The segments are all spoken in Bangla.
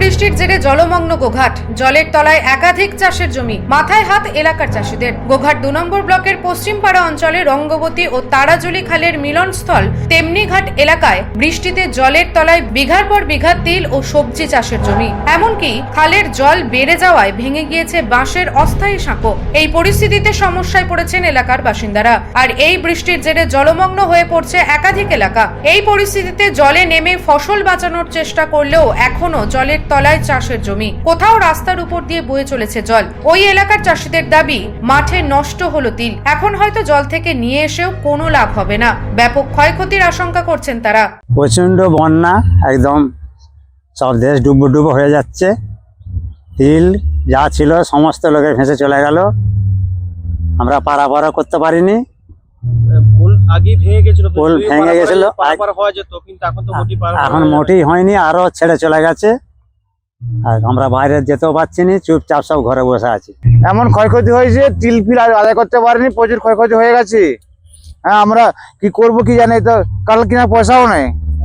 বৃষ্টির জেরে জলমগ্ন গোঘাট, জলের তলায় একাধিক চাষের জমি, মাথায় হাত এলাকার চাষিদের। গোঘাট 2 নম্বর ব্লকের পশ্চিমপাড়া অঞ্চলে রঙ্গবতী ও তারাজুলি খালের মিলনস্থল তেমনিঘাট এলাকায় বৃষ্টিতে জলের তলায় বিঘার পর বিঘা তিল ও সবজি চাষের জমি। এমনকি খালের জল বেড়ে যাওয়ায় ভেঙে গিয়েছে বাঁশের অস্থায়ী সাঁকো। এই পরিস্থিতিতে সমস্যায় পড়েছেন এলাকার বাসিন্দারা। আর এই বৃষ্টির জেরে জলমগ্ন হয়ে পড়ছে একাধিক এলাকা। এই পরিস্থিতিতে জলে নেমে ফসল বাঁচানোর চেষ্টা করলেও এখনো জলের তলায় চাষের জমি, কোথাও রাস্তার উপর দিয়ে বয়ে চলেছে জল। ওই এলাকার চাষিদের দাবি, মাঠে নষ্ট হলো তিল, এখন হয়তো জল থেকে নিয়ে এসেও কোনো লাভ হবে না। ব্যাপক ক্ষয়ক্ষতির আশঙ্কা করছেন তারা। প্রচন্ড বন্যা, একদম সব দেশ ডুবো হয়ে যাচ্ছে। তিল যা ছিল সমস্ত লোকের ভেসে চলে গেল। আমরা পারাপার করতে পারিনি। পোল আগে ভেঙে গেছিল, পোল ভেঙে গেছিল, পারাপার হওয়া যেত, কিন্তু এখন তো এখন মোটেই হয়নি, আরো ছেড়ে চলে গেছে। আর আমরা বাইরে যেতেও পারছি না, চুপচাপ সব ঘরে বসে আছি। এমন ক্ষয়ক্ষতি হয়েছে, তিল ফিল আদায় করতে পারিনি, প্রচুর ক্ষয়ক্ষতি হয়ে গেছে। হ্যাঁ, আমরা কি করব কি জানি, তো কাল কিনা পয়সাও নেই।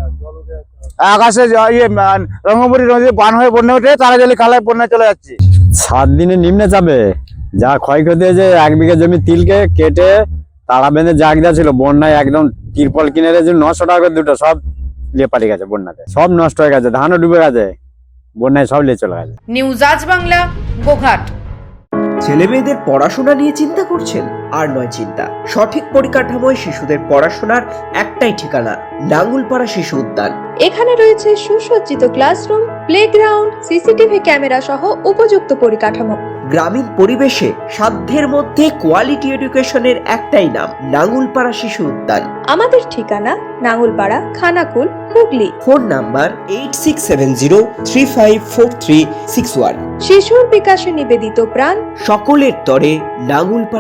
আকাশে রঙ্গবতী নদী বান হয়ে বন্যা উঠে তারাজলি খালায় বন্যা চলে যাচ্ছে। 7 দিনে নিম্নে যাবে। যা ক্ষয়ক্ষতি হয়েছে, 1 বিঘা জমি তিলকে কেটে তারা বেঁধে জাগদা ছিল, বন্যায় একদম তিরপল কিনে রেখেছে 900 টাকা করে দুটো, সব লিয়ে পালিয়ে গেছে বন্যাতে, সব নষ্ট হয়ে গেছে, ধানও ডুবে গেছে, বন্যায় সব লিয়ে চলে গেছে। নিউজ আজ বাংলা, গোঘাট। ছেলে মেয়েদের পড়াশোনা নিয়ে চিন্তা করছেন? আর নয় চিন্তা, সঠিক পরিকাঠামোয় শিশুদের পড়াশোনার একটাই ঠিকানা, নাঙ্গুলপাড়া শিশু উদ্যান। এখানে রয়েছে সুসজ্জিত ক্লাসরুম, প্লেগ্রাউন্ড, সিসিটিভি ক্যামেরা সহ উপযুক্ত পরিকাঠামো। গ্রামীণ পরিবেশে সাধ্যের মধ্যে কোয়ালিটি এডুকেশনের একটাই নাম, নাঙ্গুলপাড়া শিশু উদ্যান। আমাদের ঠিকানা নাঙ্গুলপাড়া, খানাকুল, হুগলি। Phone number 8670354361। শিশুর বিকাশে নিবেদিত প্রাণ, সকলের তরে নাঙ্গুলপাড়া।